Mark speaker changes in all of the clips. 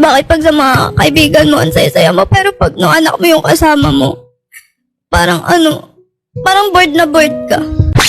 Speaker 1: makipag sa mga kaibigan mo, ang saya-saya mo. Pero pag no anak mo yung kasama mo, parang parang bored na bored ka.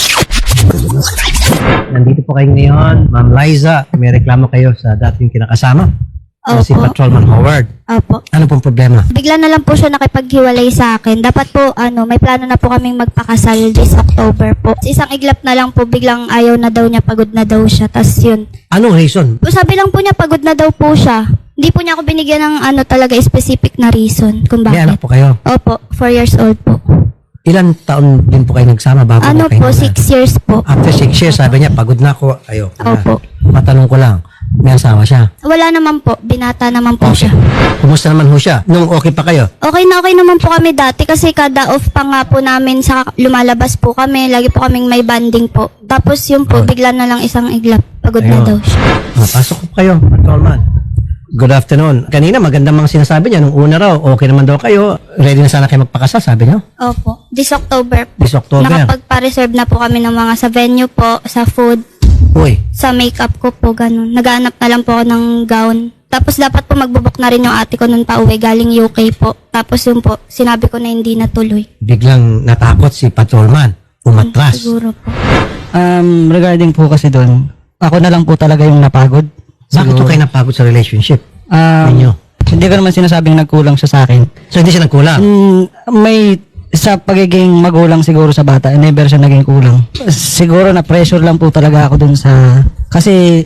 Speaker 2: Nandito po kayo ngayon, Ma'am Liza. May reklamo kayo sa dating kinakasama. Si
Speaker 1: Opo.
Speaker 2: Patrolman Howard.
Speaker 1: Opo.
Speaker 2: Ano pong problema?
Speaker 1: Bigla na lang po siya nakipaghiwalay sa akin. Dapat po, may plano na po kaming magpakasal this October po. Isang iglap na lang po, biglang ayaw na daw niya, pagod na daw siya. Tas yun.
Speaker 2: Anong reason?
Speaker 1: Sabi lang po niya, pagod na daw po siya. Hindi po niya ako binigyan ng talaga specific na reason kung
Speaker 2: May anak
Speaker 1: bakit.
Speaker 2: po kayo.
Speaker 1: Opo, 4 years old po.
Speaker 2: Ilan taon din po kayo nagsama bago na kayo
Speaker 1: Po,
Speaker 2: naman?
Speaker 1: 6 years po.
Speaker 2: After 6 years, sabi niya, pagod na ako. Ayoko na.
Speaker 1: Opo.
Speaker 2: Matanong ko lang, may asawa siya?
Speaker 1: Wala naman po, binata naman po
Speaker 2: Okay.
Speaker 1: siya.
Speaker 2: Kumusta naman ho siya? Nung okay pa kayo?
Speaker 1: Okay naman po kami dati kasi kada off pa nga po namin sa lumalabas po kami. Lagi po kaming may banding po. Tapos yun po, bigla na lang isang iglap. Pagod na
Speaker 2: Ayun.
Speaker 1: daw siya.
Speaker 2: Pasok po kayo, Patrolman. Good afternoon. Kanina magandang mga sinasabi niya. Nung una raw, okay naman daw kayo. Ready na sana kayo magpakasal, sabi niyo?
Speaker 1: Opo. This October po.
Speaker 2: This October.
Speaker 1: Nakapagpa-reserve na po kami ng mga sa venue po, sa food,
Speaker 2: Uy,
Speaker 1: sa makeup ko po, ganun. Naghanap na lang po ako ng gown. Tapos dapat po magbubuk na rin yung ate ko nun pa uwi, galing UK po. Tapos yun po, sinabi ko na hindi natuloy.
Speaker 2: biglang natakot si Patrolman. Umatras.
Speaker 1: Siguro po.
Speaker 3: Regarding po kasi doon, ako na lang po talaga yung napagod.
Speaker 2: Bakit po kayo napagod sa relationship
Speaker 3: Um,
Speaker 2: ninyo?
Speaker 3: Hindi ko naman sinasabing nagkulang siya sa akin.
Speaker 2: So, hindi siya nagkulang?
Speaker 3: May sa pagiging magulang siguro sa bata, never siya naging kulang. Siguro na pressure lang po talaga ako dun sa... Kasi...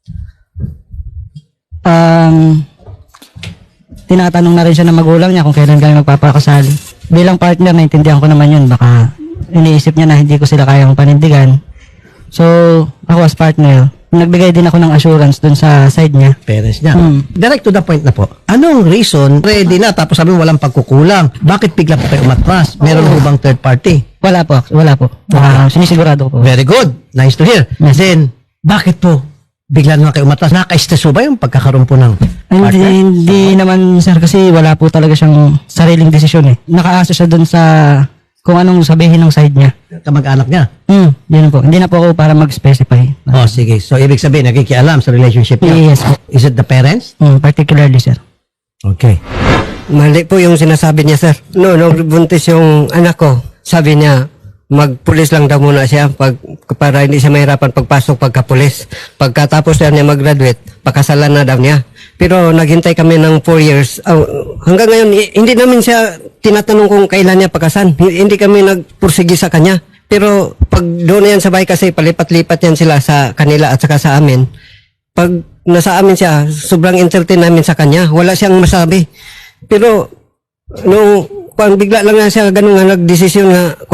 Speaker 3: tinatanong na rin siya ng magulang niya kung kailan kami magpapakasal. Bilang partner, naintindihan ko naman yun. Baka iniisip niya na hindi ko sila kayang panindigan. So, ako as partner, nagbigay din ako ng assurance dun sa side niya.
Speaker 2: Parents niya.
Speaker 3: Hmm.
Speaker 2: Direct to the point na po. Anong reason? Ready na, tapos sabi mo walang pagkukulang. Bakit bigla po kayo umatras? Meron po bang third party?
Speaker 3: Wala po. Sinisigurado ko po.
Speaker 2: Very good. Nice to hear.
Speaker 3: Yes.
Speaker 2: Then, bakit po bigla na kayo umatras? Nakaka-stress ba yung pagkakaroon po ng partner?
Speaker 3: Hindi naman sir kasi wala po talaga siyang sariling desisyon eh. Nakaasa siya dun sa kung anong sabihin ng side niya.
Speaker 2: Kamag-anak niya?
Speaker 3: Yun po. Hindi na po ako para mag-specify.
Speaker 2: Oh, sige. So, ibig sabihin, nakikialam sa relationship niya?
Speaker 3: Yes po.
Speaker 2: Is it the parents?
Speaker 3: Particularly sir.
Speaker 2: Okay.
Speaker 4: Mali po yung sinasabi niya, sir. Nung buntis yung anak ko, sabi niya, magpulis lang daw muna siya para hindi siya mahirapan pagpasok pagkapulis. Pagkatapos niya mag-graduate, pakasalan na daw niya. Pero naghintay kami ng 4 years. Hanggang ngayon, hindi namin siya tinatanong kung kailan niya pakasan. Hindi kami nagpursigi sa kanya. Pero pag doon yan sa bahay kasi palipat-lipat yan sila sa kanila at saka sa amin. Pag nasa amin siya, sobrang entertain namin sa kanya. Wala siyang masabi. Pero nung bigla lang na siya ganun nga nagdesisyon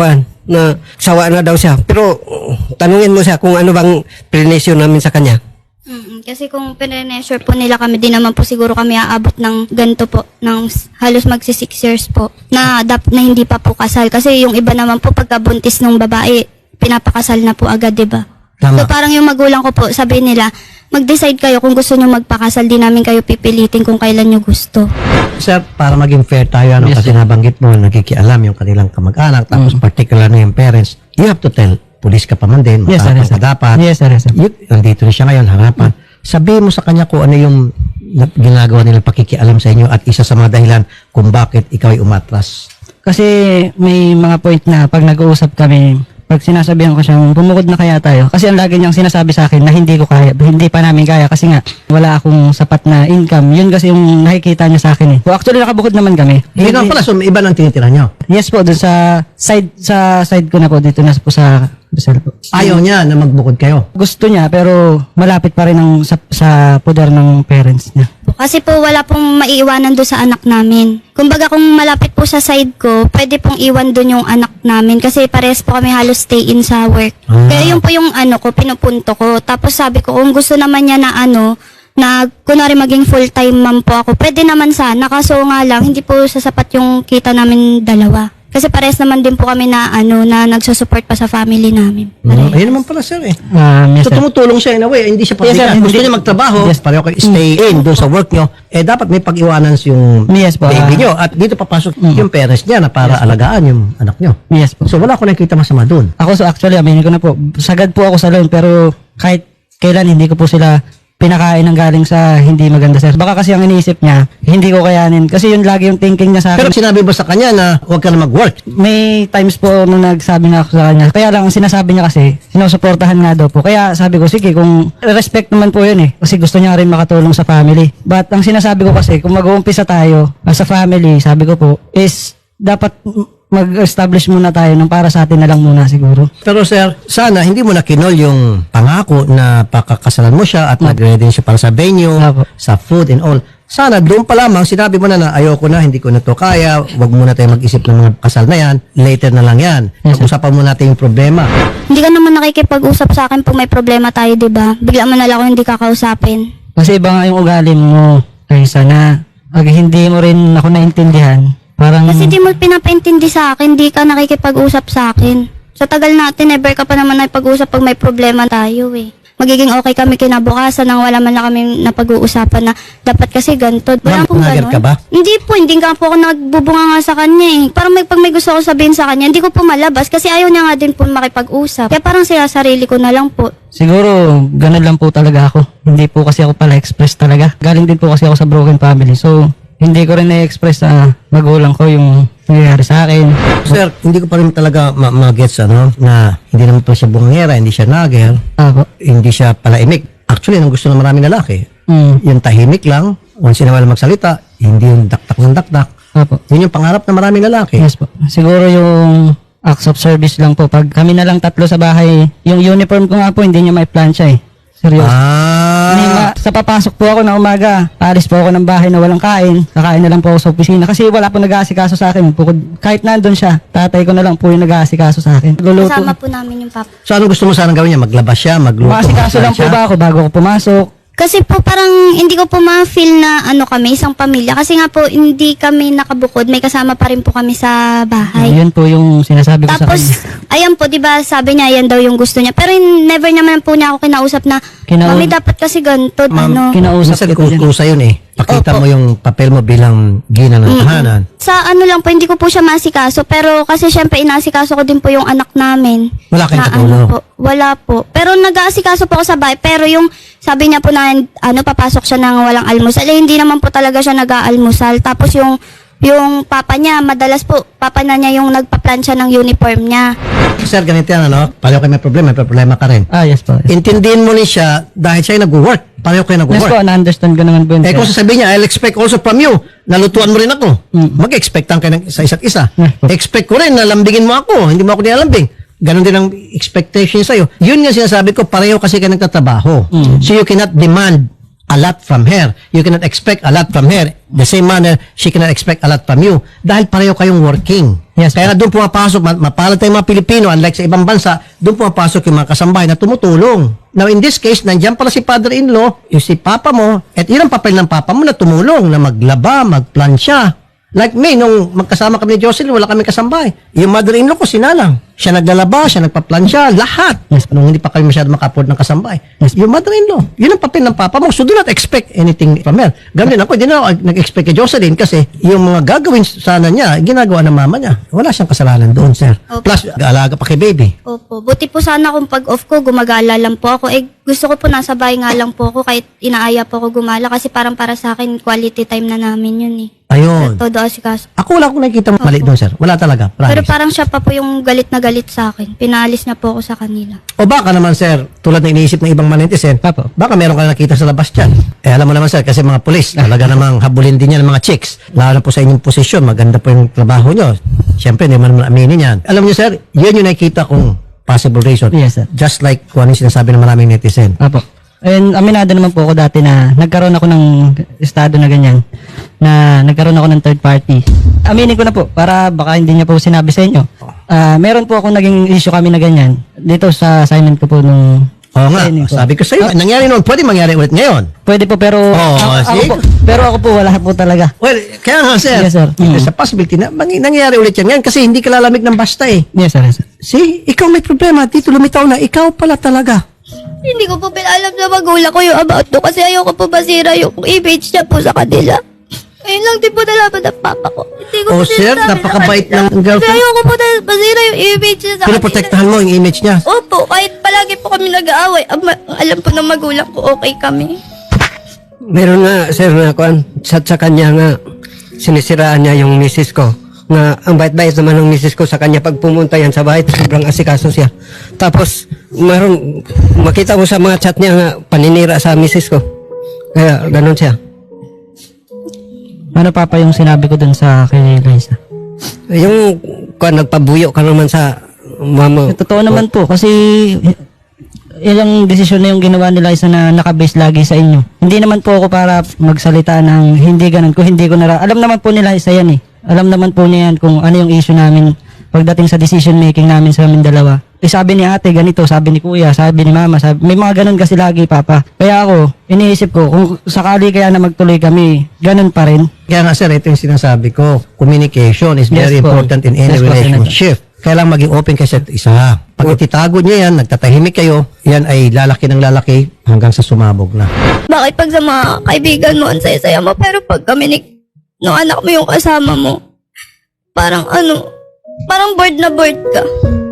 Speaker 4: na sawa na daw siya. Pero tanungin mo siya kung ano bang prinisyon namin sa kanya.
Speaker 1: Kasi kung pinrenesure po nila kami, di naman po siguro kami aabot ng ganito po, ng halos magsi 6 years po, na hindi pa po kasal. Kasi yung iba naman po, pagkabuntis ng babae, pinapakasal na po agad, di ba?
Speaker 2: Tama.
Speaker 1: So parang yung magulang ko po, sabi nila, mag-decide kayo kung gusto nyo magpakasal, di namin kayo pipilitin kung kailan nyo gusto.
Speaker 2: Sir, para maging fair tayo,
Speaker 3: Yes,
Speaker 2: kasi nabanggit mo, nakikialam yung kanilang kamag-anak, tapos particular na yung parents, you have to tell, pulis ka pa man din,
Speaker 3: Yes, sir.
Speaker 2: matapang
Speaker 3: Yes, sir.
Speaker 2: ka dapat.
Speaker 3: Yes, sir. Yes, sir.
Speaker 2: Nandito rin siya ngayon, harapan. Sabihin mo sa kanya kung ano yung ginagawa nilang pakikialam sa inyo at isa sa mga dahilan kung bakit ikaw ay umatras.
Speaker 3: Kasi may mga point na pag nag-uusap kami, pag sinasabihan ko siyang bumukod na kaya tayo. Kasi ang lagi niyang sinasabi sa akin na hindi ko kaya, hindi pa namin kaya kasi nga wala akong sapat na income. Yun kasi yung nakikita niya sa akin eh. So actually nakabukod naman kami.
Speaker 2: Hindi naman pala, so may iba nang tinitira nyo.
Speaker 3: Yes po, doon sa side ko na po, dito na po sa Rizal po.
Speaker 2: Ayaw niya na magbukod kayo.
Speaker 3: Gusto niya pero malapit pa rin sa poder ng parents niya.
Speaker 1: Kasi po wala pong maiiwanan doon sa anak namin. Kumbaga kung malapit po sa side ko, pwede pong iwan doon yung anak namin kasi pares po kami halos stay in sa work. Kaya yun po yung pinupunto ko. Tapos sabi ko kung gusto naman niya na na kunwari maging full-time mom po ako, pwede naman sana. Kaso nga lang, hindi po sasapat yung kita namin dalawa. Kasi pares naman din po kami na na nagsusupport pa sa family namin.
Speaker 2: Ayun naman pala, sir eh.
Speaker 3: Yes,
Speaker 2: So
Speaker 3: sir.
Speaker 2: tumutulong siya in a way, hindi siya
Speaker 3: Yes, sir.
Speaker 2: pabigat. Gusto
Speaker 3: Hindi-
Speaker 2: niya magtrabaho,
Speaker 3: Yes.
Speaker 2: pareho kayo stay in doon sa work nyo, dapat may pag-iwanan yung
Speaker 3: Yes po.
Speaker 2: baby nyo. At dito papasok yung parents niya na para alagaan yung anak nyo.
Speaker 3: Yes po.
Speaker 2: So wala ko nakikita masama doon.
Speaker 3: Ako so actually, aminin ko na po, sagad po ako sa loan pero kahit kailan hindi ko po sila pinakain ng galing sa hindi maganda, sir. Baka kasi ang iniisip niya, hindi ko kayanin. Kasi yun lagi yung thinking niya sa
Speaker 2: Pero
Speaker 3: akin.
Speaker 2: sinabi ba sa kanya na huwag ka na mag-work?
Speaker 3: May times po nung nagsabi nga ako sa kanya. Kaya lang, ang sinasabi niya kasi, sinusuportahan nga daw po. Kaya sabi ko, sige, kung respect naman po yun eh. Kasi gusto niya rin makatulong sa family. But ang sinasabi ko kasi, kung mag-uumpisa tayo sa family, sabi ko po, is dapat mag-establish muna tayo ng para sa atin na lang muna siguro.
Speaker 2: Pero sir, sana hindi mo na kinol yung pangako na pakakasalan mo siya at nag-ready siya para sa venue,
Speaker 3: Apo.
Speaker 2: sa food and all. Sana doon pa lamang sinabi mo na ayoko na, hindi ko na to kaya, wag muna tayo mag-isip ng mga kasal na yan, later na lang yan. Pag-usapan mo natin yung problema.
Speaker 1: Hindi ka naman nakikipag-usap sa akin pag may problema tayo, di ba? Bigla mo na lang ako hindi kakausapin.
Speaker 3: Kasi iba nga yung ugali mo, kaysa na hindi mo rin ako naintindihan. Parang,
Speaker 1: Kasi di mo pinapaintindi sa akin, di ka nakikipag-usap sa akin. Sa tagal natin, never ka pa naman nakipag-usap pag may problema tayo eh. Magiging okay kami kinabukasan nang wala man lang kami napag-uusapan na dapat kasi ganito.
Speaker 2: Ma'am,
Speaker 1: Wala pong
Speaker 2: pumagal
Speaker 1: ganon.
Speaker 2: ka ba?
Speaker 1: Hindi po, hindi nga po ako nagbubunga nga sa kanya eh. Parang pag may gusto ko sabihin sa kanya, hindi ko po malabas kasi ayaw niya nga din po makipag-usap. Kaya parang sarili ko na lang po.
Speaker 3: siguro, ganun lang po talaga ako. Hindi po kasi ako pala express talaga. Galing din po kasi ako sa broken family. So, hindi ko rin na-express sa magulang ko yung nangyayari sa akin.
Speaker 2: Sir, hindi ko pa rin talaga ma-gets na hindi naman po siya bungera, hindi siya nagel,
Speaker 3: Apo.
Speaker 2: hindi siya palaimik. Actually, ang gusto ng maraming lalaki, yung tahimik lang, once in a while magsalita, hindi yung daktak ng daktak.
Speaker 3: Apo.
Speaker 2: Yun yung pangarap ng maraming lalaki.
Speaker 3: Yes po. Siguro yung acts of service lang po. Pag kami na lang tatlo sa bahay, yung uniform ko nga po, hindi niya mai-plancha eh. Seryoso. Sa papasok po ako na umaga, alis po ako ng bahay na walang kain. Kakain na lang po ako sa opisina. Kasi wala po nag-aasikaso sa akin. Kahit nandun siya, tatay ko na lang po yung nag-aasikaso sa akin. Luluto.
Speaker 1: Kasama po namin yung papa.
Speaker 2: So, anong gusto mo sanang gawin niya? Maglabas siya, magluto?
Speaker 3: Maasikaso lang po
Speaker 2: siya?
Speaker 3: ba ako bago ako pumasok?
Speaker 1: Kasi po parang hindi ko po ma-feel na kami, isang pamilya. Kasi nga po hindi kami nakabukod. May kasama pa rin po kami sa bahay.
Speaker 3: Yun po yung sinasabi ko sa
Speaker 1: Tapos,
Speaker 3: kanya.
Speaker 1: ayan po, di ba, sabi niya, yan daw yung gusto niya. Pero never naman po niya ako kinausap na, Mami, dapat kasi ganito,
Speaker 2: Ma'am,
Speaker 3: Kinausap
Speaker 2: minsan
Speaker 3: kita dyan.
Speaker 2: kusa yun eh. Pakita
Speaker 1: Opo.
Speaker 2: mo yung papel mo bilang gina ng tahanan.
Speaker 1: Sa lang po, hindi ko po siya masikaso. Pero kasi syempre, inasikaso ko din po yung anak namin.
Speaker 2: Wala kayong
Speaker 1: Na
Speaker 2: katulong?
Speaker 1: po, wala po. Pero nag-aasikaso po ako sa bahay. Pero yung sabi niya po na papasok siya ng walang almusal. Eh, hindi naman po talaga siya nag-aalmusal. Tapos yung papa niya, madalas po, papa na niya yung nagpa-plancha ng uniform niya.
Speaker 2: Sir, ganito yan, ano? Pareho kayo may problema ka rin.
Speaker 3: Yes po.
Speaker 2: Intindihin mo ni siya dahil siya nag-work. Pareho kayo
Speaker 3: Yes
Speaker 2: nag-work.
Speaker 3: po, na-understand ko naman po yun.
Speaker 2: Eh kung
Speaker 3: sir.
Speaker 2: sasabihin niya, I'll expect also from you, nalutuan mo rin ako. Mag-expectan kayo sa isa't isa.
Speaker 3: Yes po.
Speaker 2: Expect ko rin na lambingin mo ako, hindi mo ako nilalambing. Ganon din ang expectation sa'yo. Yun nga sinasabi ko, pareho kasi kayo nagtatrabaho. So you cannot demand a lot from her. You cannot expect a lot from her. The same manner, she cannot expect a lot from you. Dahil pareho kayong working.
Speaker 3: Yes,
Speaker 2: Kaya nga doon pumapasok, mapalad tayong mga Pilipino, unlike sa ibang bansa, doon pumapasok yung mga kasambahay na tumutulong. Now in this case, nandiyan pala si father-in-law, yung si papa mo, at yun ang papel ng papa mo na tumulong, na maglaba, magplansya. Like me, nung magkasama kami ni Jocelyn, wala kami kasambahay. Yung mother-in-law ko, sinalang. Siya naglalaba, siya nagpaplansya, lahat. Nung hindi pa kami masyado maka-afford ng kasambahay. Yung mother-in-law, yun ang papel ng papa mo. So do not expect anything from her. Ganun din ako, hindi na ako nag-expect kay Jocelyn kasi yung mga gagawin sana niya, ginagawa ng mama niya. Wala siyang kasalanan doon, sir.
Speaker 1: Okay.
Speaker 2: Plus, alaga pa kay baby.
Speaker 1: Opo. Buti po sana kung pag-off ko, gumagala lang po ako. Eh, gusto ko po nasa bahay nga lang po ako kahit inaaya po ako gumala kasi parang para sa akin, quality time na namin yun eh.
Speaker 2: Ayun.
Speaker 1: Todo asikaso.
Speaker 2: Ako wala akong nakikita mali doon, sir. Wala talaga. Promise.
Speaker 1: Pero parang siya pa po yung galit na galit sa akin. Pinaalis na po ako sa kanila.
Speaker 2: O baka naman, sir, tulad ng iniisip ng ibang manetizen,
Speaker 3: Papo.
Speaker 2: baka meron ka nakita sa labas dyan. Eh, alam mo naman, sir, kasi mga pulis, talaga namang habulin din yan ng mga chicks. Lalo na po sa inyong posisyon, maganda po yung trabaho nyo. Siyempre, hindi mo naman aminin yan. Alam niyo, sir, yun yung nakikita kong possible reason.
Speaker 3: Yes, sir.
Speaker 2: Just like kung ano yung sinasabi ng maraming netizen.
Speaker 3: Apo. And aminado naman po ako dati na nagkaroon ako ng estado na ganyan, na nagkaroon ako ng third party. Aminin ko na po, para baka hindi niya po sinabi sa inyo. Meron po akong naging issue kami na ganyan, dito sa assignment ko po nung
Speaker 2: Oo nga,
Speaker 3: training ko.
Speaker 2: sabi ko sa'yo, nangyari noon, pwede mangyari ulit ngayon.
Speaker 3: Pwede po, pero
Speaker 2: see?
Speaker 3: ako po, wala po talaga.
Speaker 2: Well, kaya nga, sir,
Speaker 3: Yes, sir.
Speaker 2: there's a possibility na nangyari ulit yan ngayon kasi hindi ka lalamig ng basta eh.
Speaker 3: Yes, sir. Yes, sir.
Speaker 2: See, ikaw may problema, dito lumitaw na, ikaw pala talaga.
Speaker 1: Hindi ko po pinalam sa magulang ko yung about to kasi ayoko po masira yung image niya po sa kanila. Ngayon lang din po nalaman ng papa ko. Hindi ko
Speaker 2: Oh,
Speaker 1: po
Speaker 2: sir,
Speaker 1: sinasabi
Speaker 2: napakabait
Speaker 1: sa kanya.
Speaker 2: ng girlfriend.
Speaker 1: Kasi ayoko po na masira yung image niya sa
Speaker 2: Pinoprotektahan mo yung image niya.
Speaker 1: Opo, kahit palagi po kami nag-aaway, alam po ng magulang ko, okay kami.
Speaker 4: Meron nga, sir, na kuan, sa kanya nga, sinisiraan niya yung misis ko. Nga, ang bait-bait naman ng misis ko sa kanya pag pumunta yan sa bahay, sobrang asikaso siya. Tapos, makita mo sa mga chat niya nga, paninira sa misis ko. Kaya, ganun siya.
Speaker 3: Ano papa yung sinabi ko dun sa kay Liza?
Speaker 4: Yung, kuan, nagpabuyo ka naman sa mama.
Speaker 3: Totoo naman po kasi ilang desisyon na yung ginawa nila isa na nakabase lagi sa inyo. Hindi naman po ako para magsalita ng hindi ganun ko, hindi ko alam naman po nila isa yan eh. Alam naman po niya yan kung ano yung issue namin pagdating sa decision making namin sa amin dalawa. Sabi ni ate ganito, sabi ni kuya, sabi ni mama, may mga ganun kasi lagi papa. Kaya ako, iniisip ko kung sakali kaya na magtuloy kami, ganun pa rin.
Speaker 2: Kaya nga sir, ito yung sinasabi ko. Communication is very
Speaker 3: Yes po.
Speaker 2: important in any
Speaker 3: Yes po,
Speaker 2: relationship. Kailangan maging open kayo sa isa. Pag ititago niya yan, nagtatahimik kayo, yan ay lalaki ng lalaki hanggang sa sumabog na.
Speaker 1: Bakit pag sa mga kaibigan mo, ang saya-saya mo, pero pag kami nung anak mo yung kasama mo, parang bored na bored ka.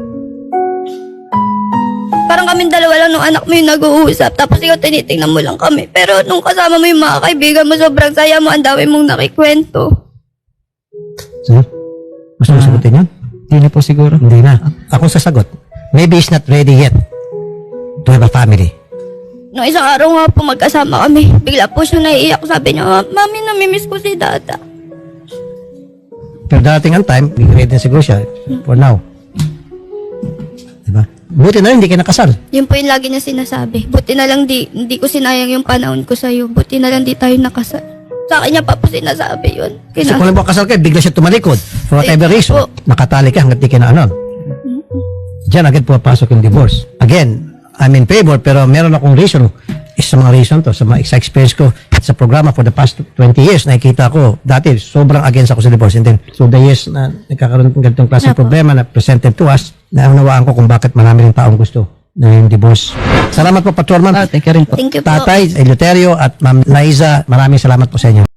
Speaker 1: Parang kaming dalawa lang nung anak mo yung nag-uusap, tapos ikaw tinitingnan mo lang kami. Pero nung kasama mo yung mga kaibigan mo, sobrang saya mo, ang dami mong nakikwento.
Speaker 2: Sir, gusto mo sagutin yun?
Speaker 3: Hindi na po siguro.
Speaker 2: Hindi na. Ako sasagot. Maybe he's not ready yet to have a family.
Speaker 1: Nung isang araw nga po magkasama kami, bigla po siya naiiyak. Sabi niya, Mami, namimiss ko si Dada.
Speaker 2: Pero darating ang time, ready na siguro siya for now. Diba? Buti na rin, hindi kayo nakasal.
Speaker 1: Yun po yung lagi niya sinasabi. Buti na lang hindi ko sinayang yung panahon ko sa'yo. Buti na lang di tayo nakasal. Sa akin niya pa po sinasabi yun.
Speaker 2: So kung lang kasal kayo, bigla siya tumalikod. For whatever reason, nakatali ka hanggang di ka na anon. Diyan agad pumapasok yung divorce. Again, I'm in favor, pero meron akong reason. Isa sa mga reason to, sa mga experience ko sa programa for the past 20 years, nakikita ko, dati sobrang against ako sa divorce. And then, so the years na nagkakaroon ng ganitong klaseng problema na presented to us, naunawaan ko kung bakit marami rin taong gusto na yung divorce. Salamat po, Patrolman.
Speaker 3: Thank you rin po.
Speaker 1: Thank you po.
Speaker 2: Tatay Eleuterio at Ma'am Liza, maraming salamat po sa inyo.